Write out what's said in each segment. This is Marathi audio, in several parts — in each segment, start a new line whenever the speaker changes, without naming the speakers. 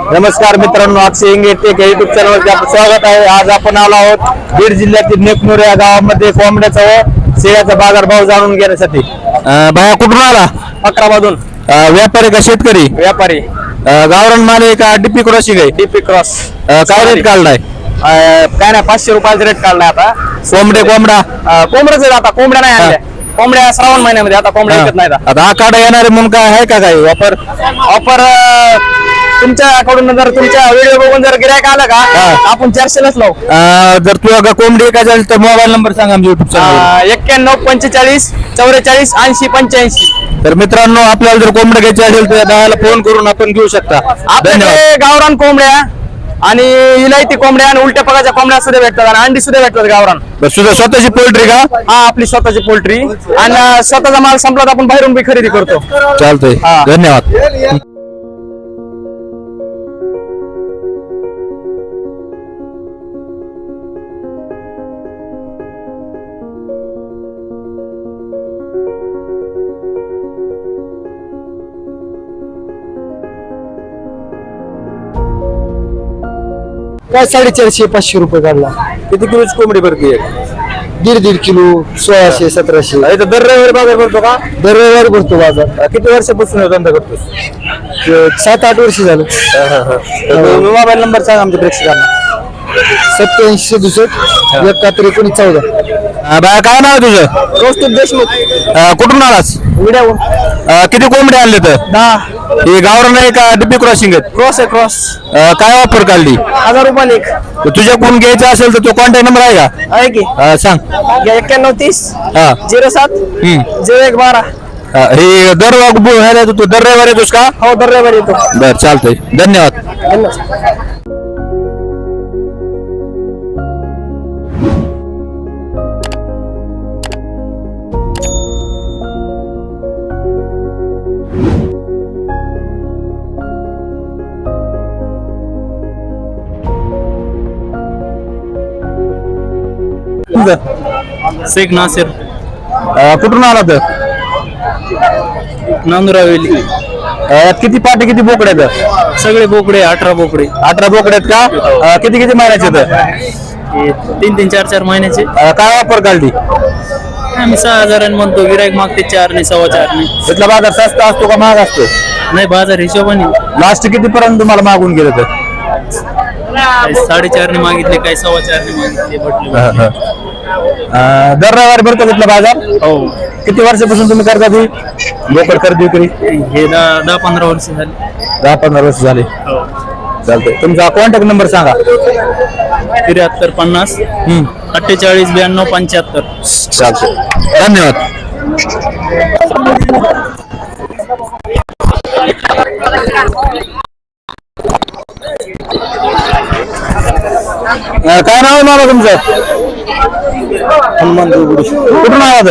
नमस्कार मित्रांनो, अक्षय इंगे टेक युट्यूब चॅनलवरती आपलं स्वागत आहे। आज आपण आलो आहोत बीड जिल्ह्यातील नेकनूर या गावामध्ये कोंबड्याचा व शेळ्याचा बाजारभाव जाणून घेण्यासाठी। भाया कुठून आला? अकरामधून। व्यापारी का शेतकरी? व्यापारी। गावरान माल आहे का डीपी क्रॉसिंग आहे? DP cross. काय रेट काढलाय? काय नाही, 500 रुपयाचा रेट काढलाय आता। कोंबड्याच आता कोंबड्या नाही आणल्या, कोंबड्या श्रावण महिन्यामध्ये आता कोंबड्या विकत नाही आता आखाडा येणारे म्हणून काय आहे का काही ऑफर तुमच्याकडून? जर तुमच्या व्हिडिओ बघून जर गिरायक आलं का आपण 400लाच लावू। जर तुला कोंबडी काय झाली तर मोबाईल नंबर सांगा आमच्या युट्यूब चॅनल। 91 45 44 80 85। तर मित्रांनो, आपल्याला जर कोंबड्या घ्यायची असेल तर दादाला फोन करून आपण घेऊ शकता। आपल्याकडे गावरान कोंबड्या आणि इलायती कोंबड्या आणि उलट्या पगाच्या कोंबड्या सुद्धा भेटतात आणि अंडी सुद्धा भेटतात गावरान। स्वतःची पोल्ट्री का? हा, आपली स्वतःची पोल्ट्री आणि स्वतःचा माल संपला तर आपण बाहेरून बी खरेदी करतो। चालतंय, धन्यवाद।
काय 450 500 रुपये काढला।
किती किलोची कोंबडी भरती?
1.5 किलो 1600 1700।
दर रविवारी बाजार भरतो का?
दर रविवारी भरतो बाजार।
किती वर्षापासून धंदा करतोस?
7-8 वर्ष झालं।
मोबाईल नंबर सांग आमच्या प्रेक्षकांना।
87 67 71 19 14।
बाया काय नाव आहे तुझं?
रोस्टिक देशमुख।
कुठून आलास?
विड्याहून।
किती कोंबडी आणले तर? 10। हे गावरान आहे का डीपी क्रॉसिंग आहे?
क्रॉस आहे, क्रॉस।
काय ऑफर काढली?
1000 रुपये एक।
तुझ्याकडून घ्यायचं असेल तर तो कॉन्टॅक्ट नंबर आहे का?
आहे की?
सांग।
91 30 07 01 12।
हे दर तू दर रविवारी येतोस का?
हो, दर रविवारी येतो।
बर, चालतंय, धन्यवाद।
शेख नासिर।
कुठून आला तर?
नांदुरावेली।
किती पाटे किती बोकडे आहेत?
सगळे बोकडे 18 बोकडे।
18 बोकडे आहेत का? किती किती महिन्याचे तर?
3-3 4-4 महिन्याचे।
काय ऑफर काढली?
आम्ही 6000 म्हणतो, गिरायक मागते 4 ने 4.25 ने।
इथला बाजार स्वस्त असतो का महाग असतो?
नाही, बाजार हिशोबाने।
लास्ट किती पर्यंत तुम्हाला मागून गेलं तर?
4.5 ने मागितले, काही 4.25 ने मागितले, भेटले।
दर रविवारी भरतो इथला बाजार?
हो।
किती वर्षापासून तुम्ही करता ती बोकड खरेदी विक्री?
हे 10-15 वर्ष झाले।
10-15 वर्ष झाले। चालतंय, तुमचा कॉन्टॅक्ट नंबर सांगा।
73 50 48 92 75।
चालतंय, धन्यवाद। काय नाव आहे मामा तुमचं?
हनुमान देवगुडी।
कुठून आला?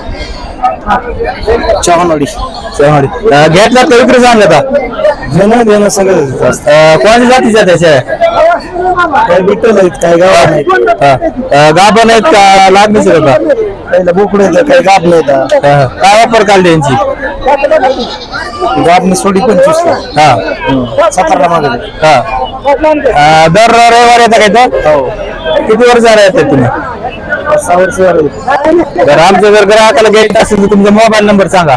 चव्हाणवाडी।
घेतला का विक्री सांगला का?
घेणं सगळं।
कोणत्या जातीच्या त्याच्या?
काय बिट्टल आहेत, काय गाव आहेत,
गाभण आहेत का लागणीचे होता?
काही बोकडे आहेत, काही गाब नाहीत।
काय वापर काढली यांची?
गाबने सोडी 25 ला। 17 ला मागवली।
दर रविवारी येता काय तर?
हो।
किती वर्ष झाले येतात तुम्ही?
6 वर्ष झाले।
जर आमच्या जर ग्राहकाला घ्यायचं असेल तर तुमचा मोबाईल नंबर सांगा।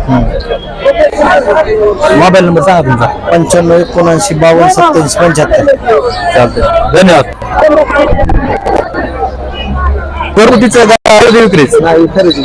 मोबाईल नंबर सांगा तुमचा।
95 79 52 27 75।
चालतंय, धन्यवाद। घरगुतीचं खरेदी विक्रीच?
नाही, खरेदी।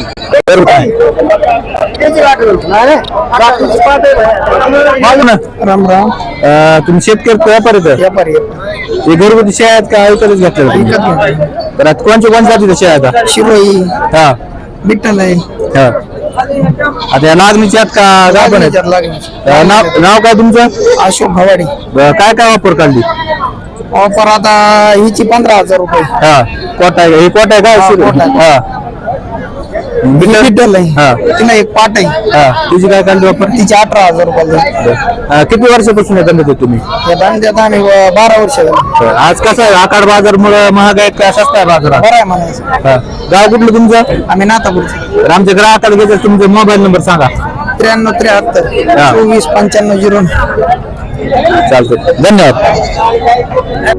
राम राम।
तुम्ही शेतकरी व्यापारी तर?
व्यापारी।
हे घरगुती शेळ्या आहेत का ऐकतच घेतल्या? तर कोणत्या जातीच्या शेळ्या आहेत?
शिरोई,
हा,
बिट्टल आहे।
आता या नागणीच्या आहेत का गाभण आहेत? नाव काय तुमचं?
अशोक भवाडी।
काय काय वापर काढली?
ऑफर आता हिची 15,000 रुपये।
हा, कोटा आहे? हे कोटा आहे का? हा,
बिट्टल आहे। तिला एक पाट आहे।
हा, तुझी काय काढली वापर?
तिची 18,000 रुपये।
किती वर्षापासून येतात म्हणजे तुम्ही?
या धंद्यात आम्ही 12 वर्ष झाली।
आज कसं आहे, आकाड बाजार मुळे महाग आहेत का स्वस्त आहे बाजारात?
बरं आहे म्हणायचं।
गाव कुठलं तुमचं?
आम्ही नातापूरचे।
तर आमच्या ग्राहकाला घ्यायचं तुमचा मोबाईल नंबर सांगा।
93 73 24 95 09।
चालतंय धन्यवाद.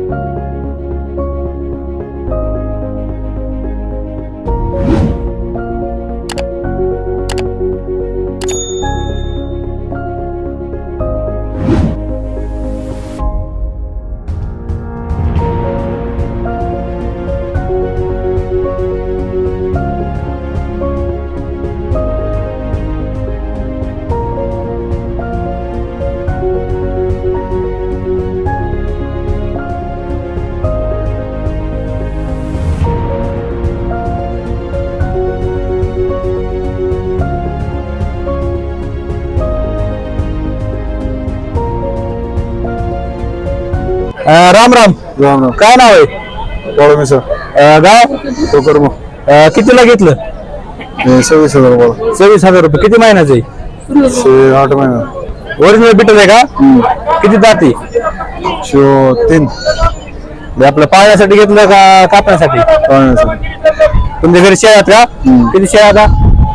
राम राम.
राम राम.
काय नाव आहे?
बोला सर.
गाव
टोकर मग
कितीला घेतलं?
26,000 बोला.
26,000 रुपये. किती महिन्याचं आहे?
8 महिना.
ओरिजिनल बिटल आहे का? किती जाती?
3
हे आपलं पाळण्यासाठी घेतलं का कापण्यासाठी? तुमच्या घरी शेळ्या आहेत का? किती शेळ्या आता?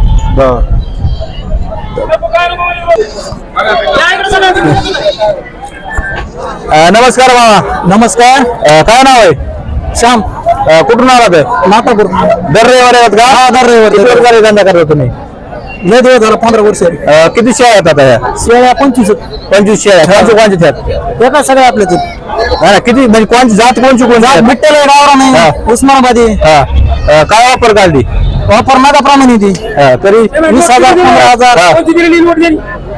नमस्कार बाबा.
नमस्कार.
काय नाव आहे?
श्याम.
कुठून आलात?
नागपूर.
दर रविवारी आहेत का?
हा, दर रविवारी.
किती वर्ष झाले धंदा करता तुम्ही?
लय दिवस झाला, 15 वर्ष.
किती शेळ्या आहेत आता ह्या?
शेळ्या 25.
25 शेळ्या. कोणची कोणची त्यात?
एका सगळ्या आपल्या
किती म्हणजे कोणची जात कोणची कोणती?
बिट्टल आहे, गावरा
हा.
नाही, उस्मानाबादी.
हा. काय वापर काढली?
वापर नागाप्रमाणे ती
तरी
20,000 15,000.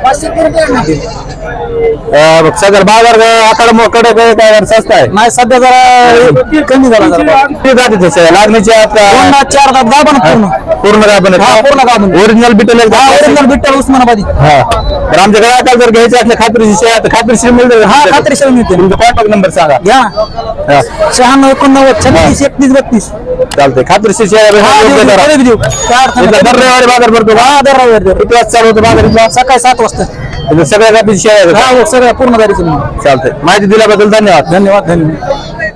सगळं बाजार आकडे काय स्वस्त आहे?
नाही, सध्या जरा कमी झाला जरा.
किती जाती तशा लागणीच्या आहेत का?
2 ना 4 दात गाभण पूर्ण.
पूर्ण गाभण
हा, पूर्ण गाभण.
Original Beetal
original Beetal Osmanabadi.
हा. तर आमच्याकडे आता जर घ्यायचे असले खात्रीची शेळ्या तर खात्रीशीर मिळते.
हा, खात्रीशीर मिळते.
तुमचा कॉन्टॅक्ट नंबर सांगा.
घ्या. 96 89 36 31 32.
चालतंय. खात्रीशीर शेळ्या
देऊ. काय अडचण नाही.
दर रविवारी बाजार भरतो का?
हा, दर रविवारी.
किती वाजता चालू होतो बाजार इथला?
सकाळी 7 वाजता.
सगळ्या जातीची शेळ्या आहेत का?
हा, हो, सगळ्या पूर्ण गाडीचं.
चालतंय. माहिती दिल्याबद्दल धन्यवाद.
धन्यवाद.